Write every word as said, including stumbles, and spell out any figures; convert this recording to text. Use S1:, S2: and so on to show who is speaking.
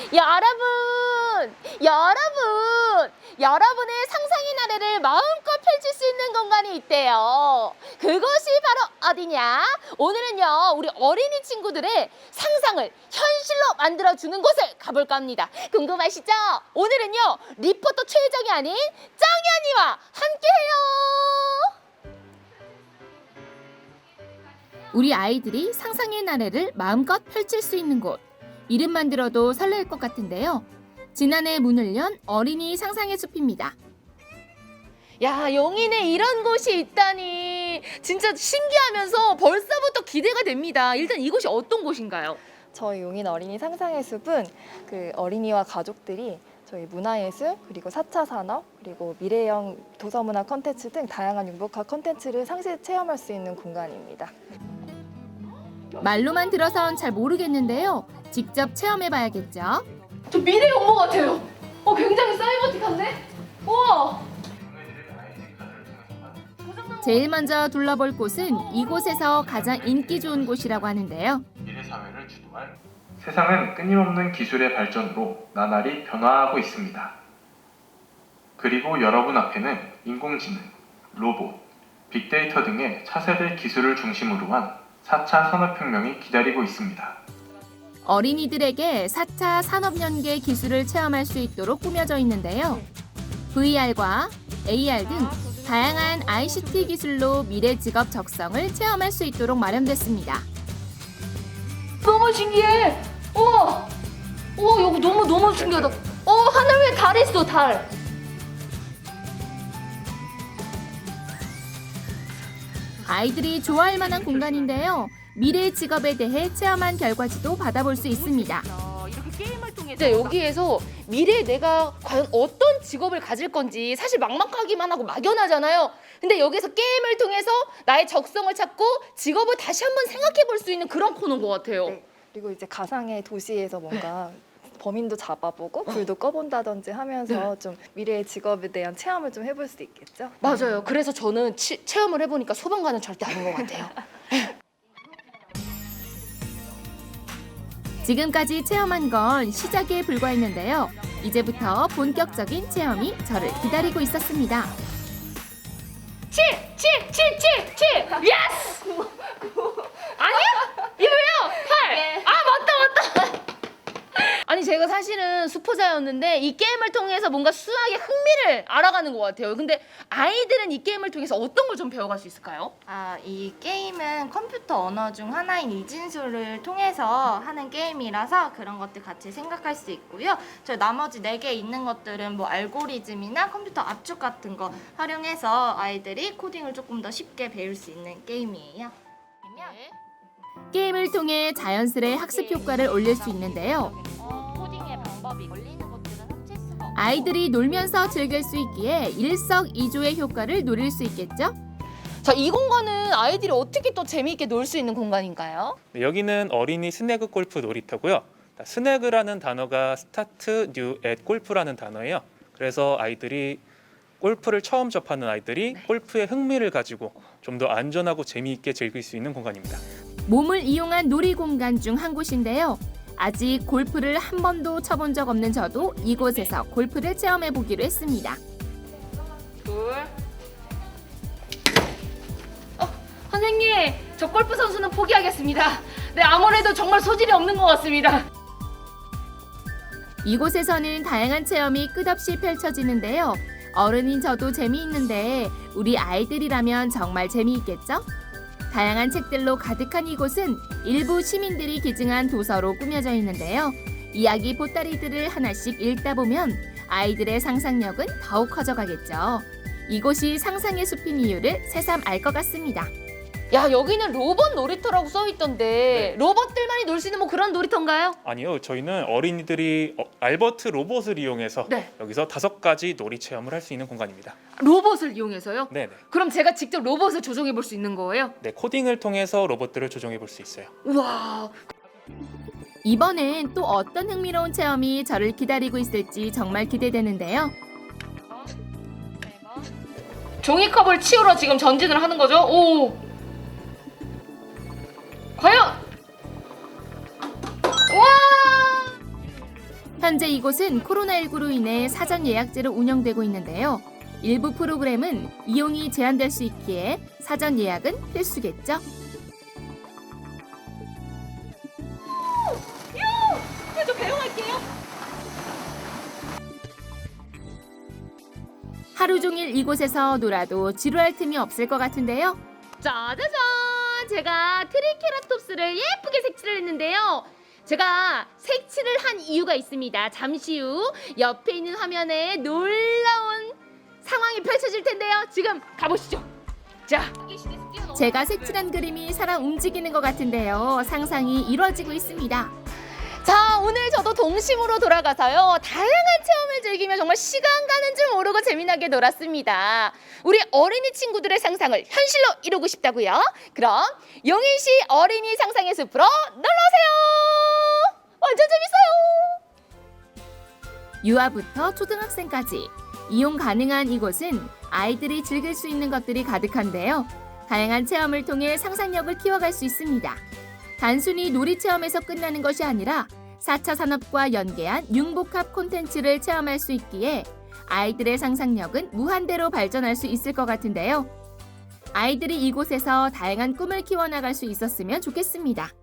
S1: 여러분, 여러분, 여러분의 상상의 나래를 마음껏 펼칠 수 있는 공간이 있대요. 그것이 바로 어디냐? 오늘은요, 우리 어린이 친구들의 상상을 현실로 만들어주는 곳을 가볼까 합니다. 궁금하시죠? 오늘은요, 리포터 최정이 아닌 정연이와 함께해요. 우리 아이들이 상상의 나래를 마음껏 펼칠 수 있는 곳. 이름만 들어도 설렐 것 같은데요. 지난해 문을 연 어린이 상상의 숲입니다. 야, 용인에 이런 곳이 있다니 진짜 신기하면서 벌써부터 기대가 됩니다. 일단 이곳이 어떤 곳인가요?
S2: 저희 용인 어린이 상상의 숲은 그 어린이와 가족들이 저희 문화예술, 그리고 사 차 산업, 그리고 미래형 도서문화 콘텐츠 등 다양한 융복합 콘텐츠를 상시 체험할 수 있는 공간입니다.
S1: 말로만 들어선 잘 모르겠는데요. 직접 체험해봐야겠죠. 저 미래 용모 같아요. 어, 굉장히 사이버틱한데? 우와! 제일 먼저 둘러볼 곳은 이곳에서 가장 인기 좋은 곳이라고 하는데요.
S3: 미래 사회를 주도할 세상은 끊임없는 기술의 발전으로 나날이 변화하고 있습니다. 그리고 여러분 앞에는 인공지능, 로봇, 빅데이터 등의 차세대 기술을 중심으로 한 사 차 산업혁명이 기다리고 있습니다.
S1: 어린이들에게 사 차 산업연계 기술을 체험할 수 있도록 꾸며져 있는데요. 브이알과 에이알 등 다양한 아이씨티 기술로 미래 직업 적성을 체험할 수 있도록 마련됐습니다. 너무 신기해! 우와! 우와, 여기 너무 너무 신기하다. 어, 하늘 위에 달 있어, 달. 아이들이 좋아할 만한 공간인데요. 미래 직업에 대해 체험한 결과지도 받아볼 수 있습니다. 이렇게 게임을 통해서 여기에서 미래에 내가 과연 어떤 직업을 가질 건지 사실 막막하기만 하고 막연하잖아요. 근데 여기서 게임을 통해서 나의 적성을 찾고 직업을 다시 한번 생각해 볼 수 있는 그런 코너인 것 같아요.
S2: 네. 그리고 이제 가상의 도시에서 뭔가 범인도 잡아보고 불도 꺼본다든지 하면서 좀 미래의 직업에 대한 체험을 좀 해볼 수 있겠죠?
S1: 맞아요. 그래서 저는 치, 체험을 해보니까 소방관은 절대 아닌 것 같아요. 지금까지 체험한 건 시작에 불과했는데요. 이제부터 본격적인 체험이 저를 기다리고 있었습니다. 칠! 칠! 칠! 칠! 칠! 예스! 아니야? 이거요? 팔! 아, 맞다, 맞다! 아니, 제가 사실은 수포자였는데 이 게임을 통해서 뭔가 수학의 흥미를 알아가는 것 같아요. 근데 아이들은 이 게임을 통해서 어떤 걸 좀 배워갈 수 있을까요?
S4: 아, 이 게임은 컴퓨터 언어 중 하나인 이진수를 통해서 하는 게임이라서 그런 것들 같이 생각할 수 있고요. 저 나머지 네 개 있는 것들은 뭐 알고리즘이나 컴퓨터 압축 같은 거 활용해서 아이들이 코딩을 조금 더 쉽게 배울 수 있는 게임이에요.
S1: 네. 게임을 통해 자연스레 학습 효과를 올릴 수 있는데요.
S4: 코딩의 방법이 걸리는 것들은 합칠 수가 없고
S1: 아이들이 놀면서 즐길 수 있기에 일석이조의 효과를 노릴 수 있겠죠? 자, 이 공간은 아이들이 어떻게 또 재미있게 놀 수 있는 공간인가요?
S5: 네, 여기는 어린이 스네그 골프 놀이터고요. 스네그라는 단어가 스타트 뉴 앳 골프라는 단어예요. 그래서 아이들이 골프를 처음 접하는 아이들이
S1: 네.
S5: 골프에 흥미를 가지고 좀 더 안전하고 재미있게 즐길 수 있는 공간입니다.
S1: 몸을 이용한 놀이 공간 중 한 곳인데요. 아직 골프를 한 번도 쳐본 적 없는 저도 이곳에서 골프를 체험해 보기로 했습니다. 둘. 어, 선생님, 저 골프 선수는 포기하겠습니다. 네, 아무래도 정말 소질이 없는 것 같습니다. 이곳에서는 다양한 체험이 끝없이 펼쳐지는데요. 어른인 저도 재미있는데 우리 아이들이라면 정말 재미있겠죠? 다양한 책들로 가득한 이곳은 일부 시민들이 기증한 도서로 꾸며져 있는데요. 이야기 보따리들을 하나씩 읽다 보면 아이들의 상상력은 더욱 커져가겠죠. 이곳이 상상의 숲인 이유를 새삼 알 것 같습니다. 야, 여기는 로봇 놀이터라고 써있던데
S5: 네.
S1: 로봇들만이 놀 수 있는 뭐 그런 놀이터인가요?
S5: 아니요, 저희는 어린이들이 어, 알버트 로봇을 이용해서
S1: 네.
S5: 여기서 다섯 가지 놀이 체험을 할 수 있는 공간입니다.
S1: 로봇을 이용해서요?
S5: 네네.
S1: 그럼 제가 직접 로봇을 조종해 볼 수 있는 거예요?
S5: 네, 코딩을 통해서 로봇들을 조종해 볼 수 있어요.
S1: 우와. 이번엔 또 어떤 흥미로운 체험이 저를 기다리고 있을지 정말 기대되는데요. 종이컵을 치우러 지금 전진을 하는 거죠? 오. 과연! 와! 현재 이곳은 코로나십구로 인해 사전 예약제로 운영되고 있는데요. 일부 프로그램은 이용이 제한될 수 있기에 사전 예약은 필수겠죠.
S6: 저 배웅할게요.
S1: 하루 종일 이곳에서 놀아도 지루할 틈이 없을 것 같은데요.
S6: 짜자잔! 제가 트리케라톱스를 예쁘게 색칠을 했는데요. 제가 색칠을 한 이유가 있습니다. 잠시 후 옆에 있는 화면에 놀라운 상황이 펼쳐질 텐데요. 지금 가보시죠. 자,
S1: 제가 색칠한 그림이 살아 움직이는 것 같은데요. 상상이 이루어지고 있습니다.
S6: 자, 오늘 저도 동심으로 돌아가서요. 다양한 체험을 즐기며 정말 시간 가는 줄 모르고 재미나게 놀았습니다. 우리 어린이 친구들의 상상을 현실로 이루고 싶다고요? 그럼 용인시 어린이 상상의 숲으로 놀러오세요. 완전 재밌어요.
S1: 유아부터 초등학생까지 이용 가능한 이곳은 아이들이 즐길 수 있는 것들이 가득한데요. 다양한 체험을 통해 상상력을 키워갈 수 있습니다. 단순히 놀이 체험에서 끝나는 것이 아니라 사 차 산업과 연계한 융복합 콘텐츠를 체험할 수 있기에 아이들의 상상력은 무한대로 발전할 수 있을 것 같은데요. 아이들이 이곳에서 다양한 꿈을 키워나갈 수 있었으면 좋겠습니다.